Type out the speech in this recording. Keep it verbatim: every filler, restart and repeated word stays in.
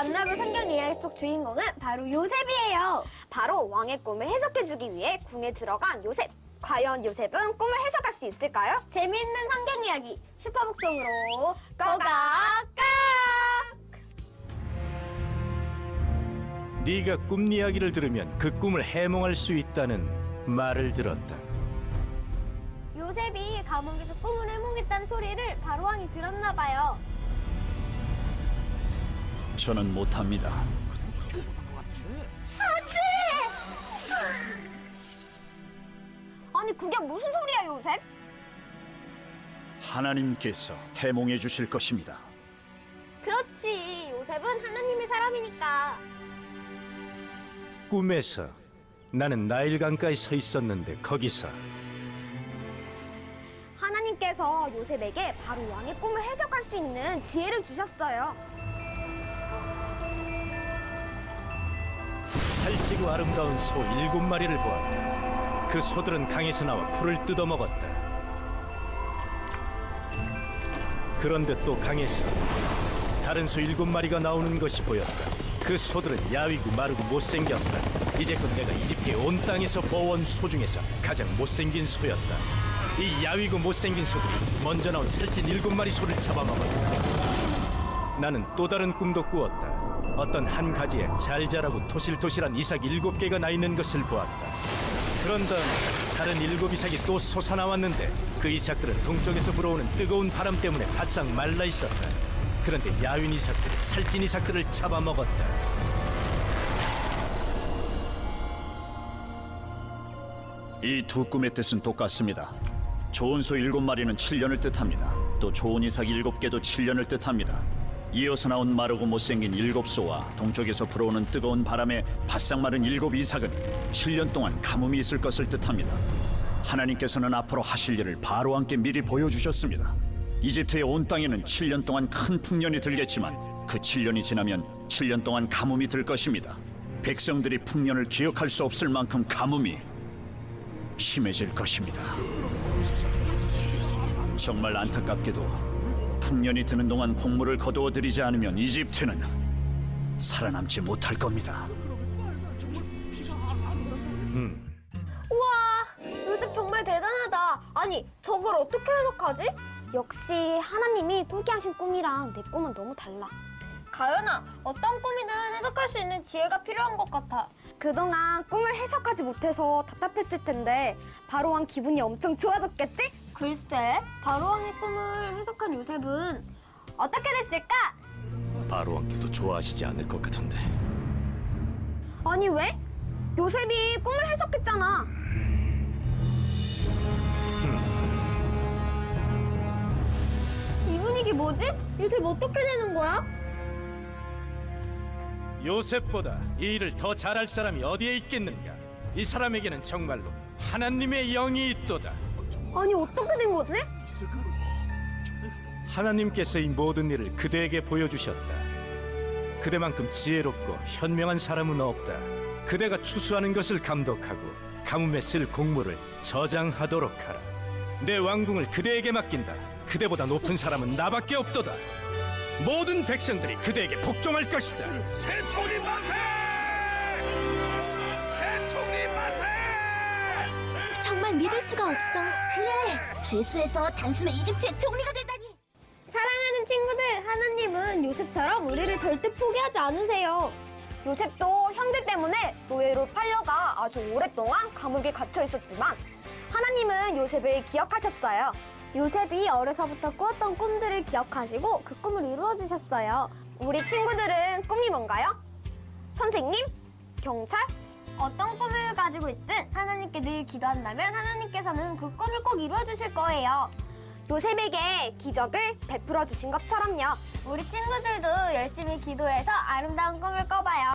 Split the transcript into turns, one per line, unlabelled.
만나볼 성경 이야기 속 주인공은 바로 요셉이에요. 바로 왕의 꿈을 해석해주기 위해 궁에 들어간 요셉. 과연 요셉은 꿈을 해석할 수 있을까요? 재미있는 성경 이야기 슈퍼북송으로 고고고!
네가 꿈 이야기를 들으면 그 꿈을 해몽할 수 있다는 말을 들었다.
요셉이 감옥에서 꿈을 해몽했다는 소리를 바로왕이 들었나 봐요.
저는 못합니다.
아니 그게 무슨 소리야 요셉?
하나님께서 해몽해 주실 것입니다.
그렇지, 요셉은 하나님의 사람이니까.
꿈에서 나는 나일강가에 서 있었는데 거기서
하나님께서 요셉에게 바로 왕의 꿈을 해석할 수 있는 지혜를 주셨어요.
살찌고 아름다운 소 일곱 마리를 보았다. 그 소들은 강에서 나와 풀을 뜯어먹었다. 그런데 또 강에서 다른 소 일곱 마리가 나오는 것이 보였다. 그 소들은 야위고 마르고 못생겼다. 이제껏 내가 이집트의 온 땅에서 보아온 소 중에서 가장 못생긴 소였다. 이 야위고 못생긴 소들이 먼저 나온 살찐 일곱 마리 소를 잡아먹었다. 나는 또 다른 꿈도 꾸었다. 어떤 한 가지에 잘 자라고 토실토실한 이삭이 일곱 개가 나 있는 것을 보았다. 그런 다음 다른 일곱 이삭이 또 솟아나왔는데 그 이삭들은 동쪽에서 불어오는 뜨거운 바람 때문에 바싹 말라 있었다. 그런데 야윈 이삭들이 살찐 이삭들을 잡아먹었다.
이 두 꿈의 뜻은 똑같습니다. 좋은 소 일곱 마리는 칠 년을 뜻합니다. 또 좋은 이삭 일곱 개도 칠 년을 뜻합니다. 이어서 나온 마르고 못생긴 일곱 소와 동쪽에서 불어오는 뜨거운 바람에 바싹 마른 일곱 이삭은 칠 년 동안 가뭄이 있을 것을 뜻합니다. 하나님께서는 앞으로 하실 일을 바로왕께 미리 보여주셨습니다. 이집트의 온 땅에는 칠 년 동안 큰 풍년이 들겠지만 그 칠 년이 지나면 칠 년 동안 가뭄이 들 것입니다. 백성들이 풍년을 기억할 수 없을 만큼 가뭄이 심해질 것입니다. 정말 안타깝게도 풍년이 드는 동안 곡물을 거두어 들이지 않으면 이집트는 살아남지 못할 겁니다.
우와, 요셉 정말 대단하다. 아니, 저걸 어떻게 해석하지? 역시 하나님이 꾸게 하신 꿈이랑 내 꿈은 너무 달라. 가연아, 어떤 꿈이든 해석할 수 있는 지혜가 필요한 것 같아. 그동안 꿈을 해석하지 못해서 답답했을 텐데 바로왕 기분이 엄청 좋아졌겠지? 글쎄, 바로왕의 꿈을 해석한 요셉은 어떻게 됐을까?
바로왕께서 좋아하시지 않을 것 같은데.
아니 왜? 요셉이 꿈을 해석했잖아. 이 분위기 뭐지? 요셉 어떻게 되는 거야?
요셉보다 이 일을 더 잘할 사람이 어디에 있겠는가? 이 사람에게는 정말로 하나님의 영이 있도다.
아니 어떻게 된 거지?
하나님께서 이 모든 일을 그대에게 보여주셨다. 그대만큼 지혜롭고 현명한 사람은 없다. 그대가 추수하는 것을 감독하고 가뭄에 쓸 곡물을 저장하도록 하라. 내 왕궁을 그대에게 맡긴다. 그대보다 높은 사람은 나밖에 없도다. 모든 백성들이 그대에게 복종할 것이다.
새총리 만세! 새총리 만세!
정말 믿을 수가 없어. 그래, 죄수에서 단숨에 이집트의 총리가 되다니.
사랑하는 친구들, 하나님은 요셉처럼 우리를 절대 포기하지 않으세요. 요셉도 형제 때문에 노예로 팔려가 아주 오랫동안 감옥에 갇혀 있었지만 하나님은 요셉을 기억하셨어요. 요셉이 어려서부터 꾸었던 꿈들을 기억하시고 그 꿈을 이루어 주셨어요. 우리 친구들은 꿈이 뭔가요? 선생님? 경찰? 어떤 꿈을 가지고 있든 하나님께 늘 기도한다면 하나님께서는 그 꿈을 꼭 이루어 주실 거예요. 요셉에게 기적을 베풀어 주신 것처럼요. 우리 친구들도 열심히 기도해서 아름다운 꿈을 꿔봐요.